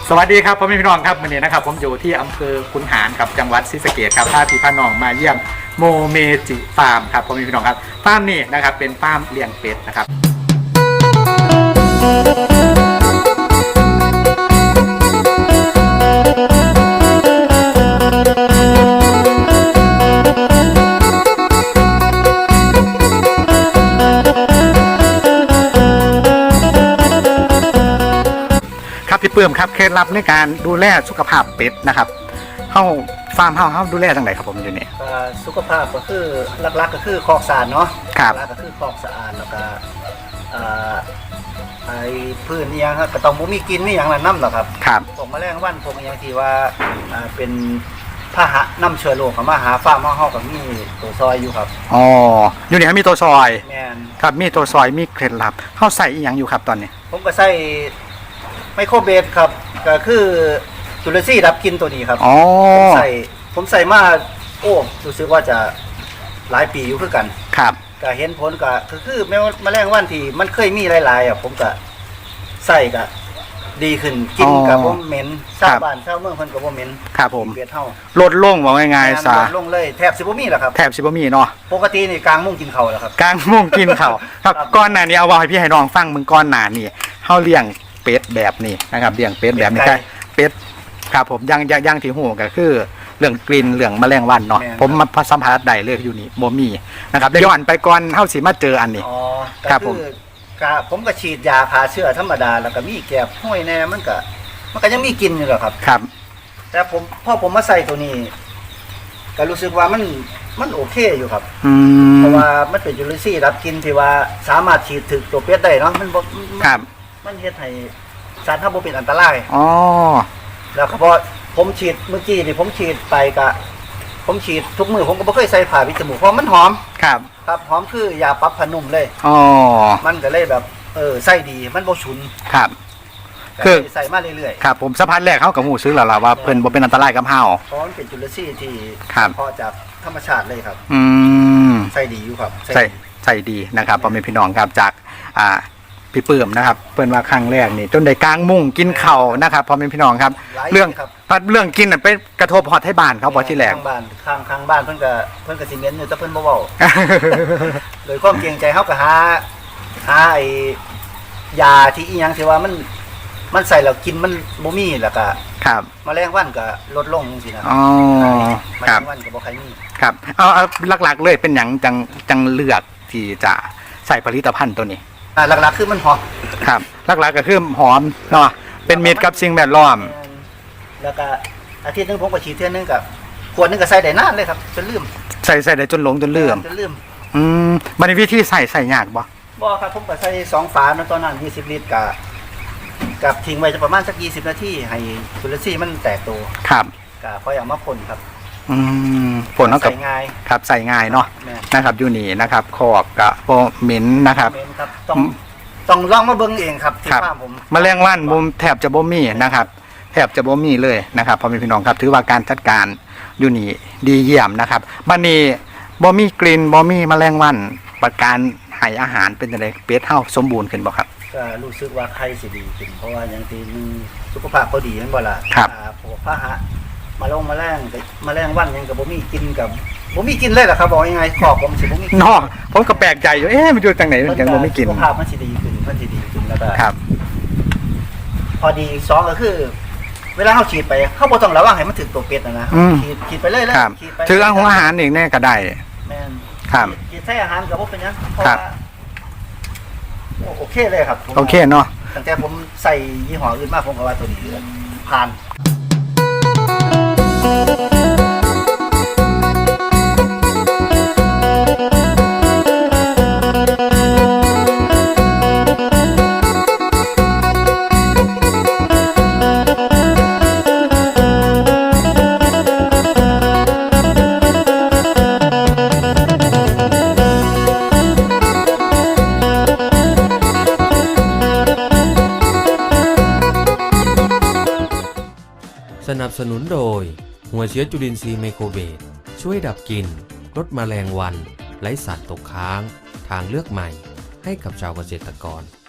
สวัสดีครับพ่อแม่พี่น้องครับวันนี้นะครับผมอยู่ที่อำเภอขุนหารกับจังหวัดศรีสะเกษครับพาพี่พาน้องมาเยี่ยมโมเมจิฟาร์มครับพ่อแม่พี่น้องครับฟาร์มนี้นะครับเป็นฟาร์มเลี้ยงเป็ดนะครับพี่เพิ่มครับเคล็ดลับในการดูแลสุขภาพเป็ดนะครับเข้าฟาร์มเข้าดูแลทางไหนครับผมอยู่นี่สุขภาพก็คือหลักๆก็คือคอกสะอาดเนาะครับหลักก็คือคอกสะอาดแล้วก็ไอ้พื้นนี่ยังครับก็ต้องบ่มีกินมีอย่างนั้นน้ำหรอกครับครับพวกแมลงวันพวกอย่างที่ว่าเป็นพาหะน้ำเชื้อโรคเข้ามาหาฟาร์มเฮากับมีตัวซอยอยู่ครับอ๋ออยู่นี่มีตัวซอยแม่นครับมีตัวซอยมีเคล็ดลับเข้าใส่อีหยังอยู่ครับตอนนี้ผมก็ใส่ไมโครเบสครับก็คือจุลซีรับกินตัวนี้ครับผมใส่มาโอ้รู้สึกว่าจะหลายปีอยู่คือกันครับก็เห็นผลก็คือแมลงวันที่มันเคยมีหลายๆผมก็ใส่ก็ดีขึ้นกินกับบ่เหม็นชาวบ้านชาวเมืองเพิ่นก็บ่เหม็นครับผมเบียดเฮาลดลงว่าง่ายๆซะลดลงเลยแทบสิบ่มีแล้วครับแทบสิบ่มีเนาะปกตินี่กลางมุ่งกินข้าวแล้วครับกลางมุ่งกินข้าวครับก่อนหน้านี้เอาไว้ให้พี่ให้น้องฟังมึงก่อนหน้านี้เฮาเลี้ยงเป็ดแบบนี้นะครับเลี้ยงเป็ดแบบนี้ครับเป็ดครับผมยังที่หูก็คือเรื่องกลิ่นเรื่องแมลงวันเนาะผมมาสัมผัสได้เลยอยู่นี่บ่มีนะครับย้อนไปก่อนเฮาสิมาเจออันนี้ครับผมก็ฉีดยาฆ่าเชื้อธรรมดาแล้วก็มีแกบห้วยแน่มันก็ยังมีกินอยู่หรอกครับครับแต่พอผมมาใส่ตัวนี้ก็รู้สึกว่ามันโอเคอยู่ครับเพราะว่ามันเป็นจุลินทรีย์รับกินที่ว่าสามารถฉีดถึงตัวเป็ดได้เนาะมันครับมันเฮ็ดให้สารถ้าบ่เป็นอันตรายอ๋อแล้วก็พอผมฉีดเมื่อกี้นี่ผมฉีดไปก็ผมฉีดทุกมือผมก็บ่เคยใส่ผ้าปิดจมูกเพราะมันหอมครับครับหอมคือยาปรับผ้านุ่มเลยอ๋อมันก็เลยแบบใส่ดีมันบ่ฉุนครับคือใส่มาเรื่อยๆครับผมสัมผัสแรกเขากับหูซื้อแล้วล่ะว่าเพิ่นบ่เป็นอันตรายกับเฮาเพราะมันเป็นจุลินทรีย์ที่พอจากธรรมชาติเลยครับใส่ดีอยู่ครับใส่ดีนะครับพ่อแม่พี่น้องครับจากพี่เปิ่มนะครับเปิ้นว่าครั้งแรกนี่จนได้กลางมุ้งกินเข่านะครับพ่อแม่พี่น้องครับเรื่องกินน่ะไปกระทบฮอดให้บ้านเขาบ่ที่แรกข้างบ้านเพิ่นก็สิเม้นอยู่แต่เพิ่นบ่เว้าโดยความเกรงใจเฮาก็หาไอ้ยาที่อีหยังที่ว่ามันใส่แล้วกินมันบ่มีแล้วก็ครับแมลงวันก็ลดลงจังซี่นะอ๋อแมลงวันก็บ่ค่อยมีครับเอาหลักๆเลยเป็นหยังจังเลือกที่จะใส่ผลิตภัณฑ์ตัวนี้หลักๆคือมันหอมครับหลักๆก็คือหอมเนาะเป็นมิตรกับสิ่งแวดล้อมแล้วก็อาทิตย์นึงผมก็ฉีดเทื่อนึงกับขวดนึงก็ใส่ได้นานเลยครับจนลืมใส่ได้จนหลงจนลืมมันมีวิธีใส่ยากบ่ครับผมก็ใส่2ฝาตอนนั้น20ลิตรกับทิ้งไว้จะประมาณสัก20นาทีให้จุลินทรีย์มันแตกตัวครับก็ค่อยเอามาพ่นครับผลเท่ากับครับใส่ง่ายเนาะนะครับอยู่นี่นะครับขอบกับโปเหม็นนะครับต้องลองมาเบิ่งเองครับที่ฟาร์มผมแมลงวันมุมแทบจะบ่มีนะครับแทบจะบ่มีเลยนะครับพ่อแม่พี่น้องครับถือว่าการจัดการอยู่นี่ดีเยี่ยมนะครับบัดนี้บ่มีกลิ่นบ่มีแมลงวันประการให้อาหารเป็นจังได๋เป็ดเฮาสมบูรณ์ขึ้นบ่ครับก็รู้สึกว่าไข่สิดีขึ้นเพราะว่าอย่างที่สุขภาพเขาดีนั่นบ่ล่ะพวกพาหะมาลงแมลงวันยังกับบ่มีกินกับบ่มีกินเลยเหรอครับบอกยังไงขอบผมสิบ่มีเนาะผมก็แปลกใจอยู่มันอยู่จังไหนมันยังบ่มีกินสุขภาพมันสิดีขึ้นแล้วก็ครับพอดี2ก็คือเวลาเฮาฉีดไปเฮาบ่ต้องระวังให้มันถึงตัวเป็ดนะฉีดไปเลยฉีดไปถืออาหารเองแน่ก็ได้แม่นครับฉีดใส่อาหารก็บ่เป็นหยังเพราะว่าโอเคเลยครับโอเคเนาะตั้งแต่ผมใส่ยี่ห้ออื่นมาผมก็ว่าตัวนี้ผ่านสนับสนุนโดยหัวเชื้อจุลินทรีย์ไมโครเบสช่วยดับกลิ่นลดแมลงวันไร้สารตกค้างทางเลือกใหม่ให้กับชาวเกษตรกร